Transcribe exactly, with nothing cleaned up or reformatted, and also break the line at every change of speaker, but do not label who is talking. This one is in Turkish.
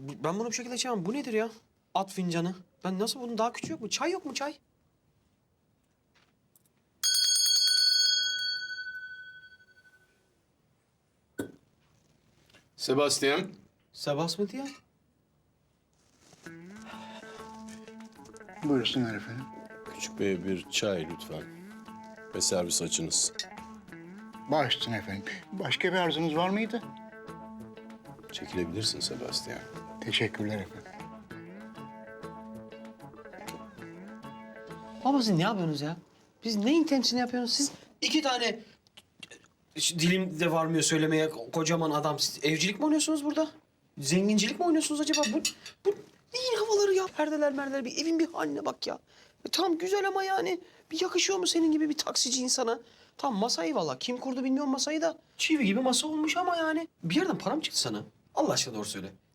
bu- ben bunu bir şekilde içemem. Bu nedir ya? At fincanı. Ben nasıl bunun daha küçüğü yok mu? Çay yok mu çay?
Sebastian.
Sebasmeti ya.
Buyursunlar efendim.
Küçük bey bir çay lütfen. Ve servis açınız.
Baş üstüne efendim. Başka bir arzunuz var mıydı?
Çekilebilirsin Sebastian.
Teşekkürler efendim.
Baba siz ne yapıyorsunuz ya? Biz neyin temsilini yapıyorsunuz? Siz iki tane Ş- dilim de varmıyor söylemeye kocaman adam. Siz evcilik mi oynuyorsunuz burada? Zengincilik mi oynuyorsunuz acaba? Bu, bu neyin havaları ya? Perdeler merdeler bir evin bir haline bak ya. E, tamam güzel ama yani bir yakışıyor mu senin gibi bir taksici insana? Tamam masa eyvallah. Kim kurdu bilmiyorum masayı da. Çivi gibi masa olmuş ama yani. Bir yerden para mı çıktı sana? Allah aşkına doğru söyle.